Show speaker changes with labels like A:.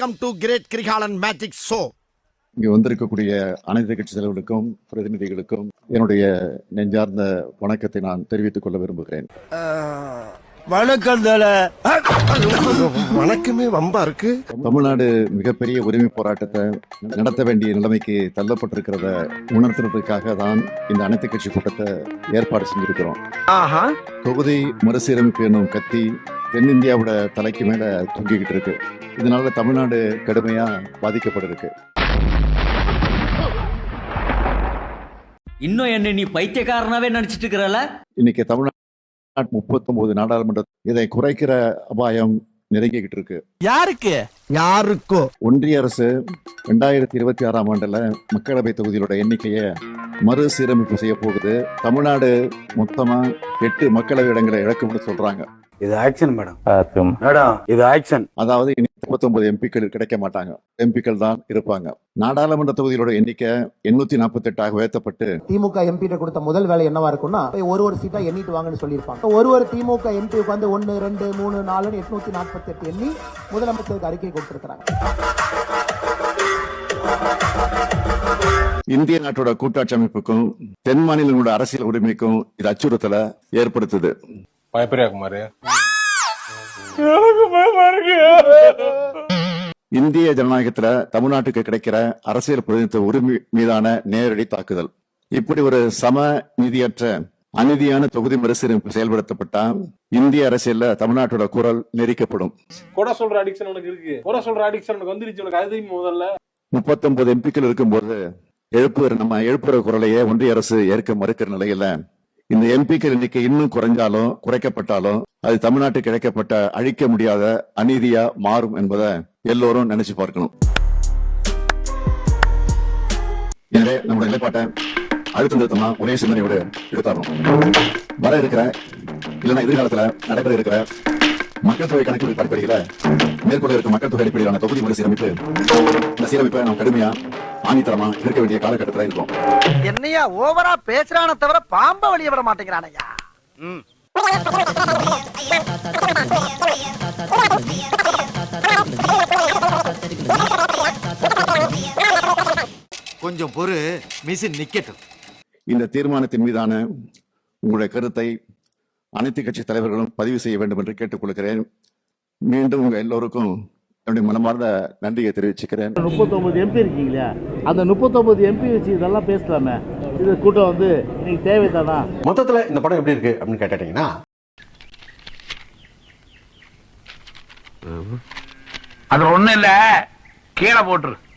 A: Welcome to great Kirikalan magic show.
B: இங்கே வந்திருக்கக்கூடிய அனைத்து கட்சி தலைவர்களுக்கும் பிரதிநிதிகளுக்கும் என்னுடைய நெஞ்சார்ந்த வணக்கத்தை நான் தெரிவித்துக் கொள்ள விரும்புகிறேன்.
A: வணக்கம். வணக்கமே வம்பா இருக்கு.
B: தமிழ்நாடு மிகப்பெரிய உரிமை போராட்டத்தை நடத்த வேண்டிய நிலைமைக்கு தள்ளப்பட்டிருக்கிறத உணர்த்துறதுக்காக தான் இந்த அனைத்து கட்சி கூட்டத்தை ஏற்பாடு செஞ்சிருக்கிறோம். தொகுதி மறுசீரமைப்பு என்னும் கத்தி தென்னிந்தியாவோட தலைக்கு மேல தூங்கிக்கிட்டு இருக்கு. இதனால தமிழ்நாடு கடுமையா பாதிக்கப்பட்டிருக்கு.
C: இன்னும் என்ன நீ பைத்தியக்காரனாவே நினைச்சிட்டு இருக்கிறல?
B: இன்னைக்கு தமிழ்நாடு 39 நாடாளுமன்ற இதை குறைக்கிற அபாயம் நெருங்கிக்கிட்டு இருக்கு.
A: யாருக்கோ
B: ஒன்றிய அரசு 2026ஆம் ஆண்டுல மக்களவை தொகுதிகளோட எண்ணிக்கையை மறுசீரமைப்பு செய்ய போகுது. தமிழ்நாடு மொத்தமா 8 மக்களவை இடங்களை இழக்கும்னு சொல்றாங்க.
D: இது ஆக்ஷன் மேடம். இது ஆக்ஷன்.
B: அதாவது 39 எம்பிக்கள் கிடைக்க மாட்டாங்க, எம்பிக்கள் தான் இருப்பாங்க. நாடாளுமன்ற தொகுதிகளோட எண்ணிக்கை 848 உயர்த்தப்பட்டு
E: திமுக எம்பி கொடுத்த முதல் வேலை என்னவா இருக்கும்னா ஒரு சீட்டா எண்ணிட்டு வாங்கன்னு சொல்லியிருப்பாங்க. ஒரு திமுக எம்பி வந்து 1 2 3 4 848 எண்ணி முதலமைச்சருக்கு அறிக்கை கொடுத்திருக்கிறாங்க.
B: இந்திய நாட்டோட கூட்டாட்சி அமைப்புக்கும் தென் மாநிலங்களோட அரசியல் உரிமைக்கும் இது அச்சுறுத்தலை ஏற்படுத்துது. இந்திய ஜனநாயகத்துல தமிழ்நாட்டுக்கு கிடைக்கிற அரசியல் பிரதிநிதித்துவ உரிமை மீதான நேரடி தாக்குதல். இப்படி ஒரு சம நீதியற்ற அநீதியான தொகுதி மறுசீரமைப்பு செயல்படுத்தப்பட்டா இந்திய அரசியல்ல தமிழ்நாட்டோட குரல் நெரிக்கப்படும். 39 எம்பிக்கள் இருக்கும்போது எழுப்புற குரலையே ஒன்றிய அரசு ஏற்க மறுக்கிற நிலையில இந்த எம்பிக்கள் எண்ணிக்கை இன்னும் குறைஞ்சாலும் குறைக்கப்பட்டாலும் அது தமிழ்நாட்டுக்கு கிடைக்கப்பட்ட அழிக்க முடியாத அநீதியா மாறும் என்பதை எல்லோரும் நினைச்சு பார்க்கணும். எனவே நம்முடைய நிலைப்பாட்டை அழுத்தம் திருத்தமா ஒரே சிந்தனையோடு எடுத்தாரணும். வர இருக்கிற இல்லைன்னா எதிர்காலத்துல நடைபெற இருக்கிற மக்கள் தொகை கணக்கெடுப்பு அடிப்படையில மேற்கொள்ள இருக்க மக்கள் தொகை அடிப்படையிலான தொகுதி மறுசீரமைப்பு, இந்த சீரமைப்பை நாம் கடுமையா ஆணித்தரமா இருக்க வேண்டிய காலகட்டத்தில் இருக்கும்.
F: என்னையா ஓவரா பேசுறான தவிர பாம்ப வழிய விட மாட்டேங்கிறானையா.
A: கொஞ்சம் பொறு, மிஷின் நிக்கட்டும்.
B: இந்த தீர்மானத்தின் மீதான உங்களுடைய கருத்தை அனைத்து கட்சி தலைவர்களும் பதிவு செய்ய வேண்டும் என்று கேட்டுக்கொள்கிறேன். மீண்டும் உங்க எல்லோருக்கும் என்னுடைய மனமார்ந்த நன்றியை தெரிவிச்சுக்கிறேன்.
G: 39 எம்பி இருக்கீங்களா, அந்த 39 எம்பி வச்சு இதெல்லாம் பேசலாமே. இது கூட்டம் வந்து இன்னைக்கு தேவைதானா?
D: மொத்தத்துல இந்த படம் எப்படி இருக்கு அப்படின்னு கேட்டீங்கன்னா,
H: அது ஒண்ணு இல்ல, கீழே போட்டுரு.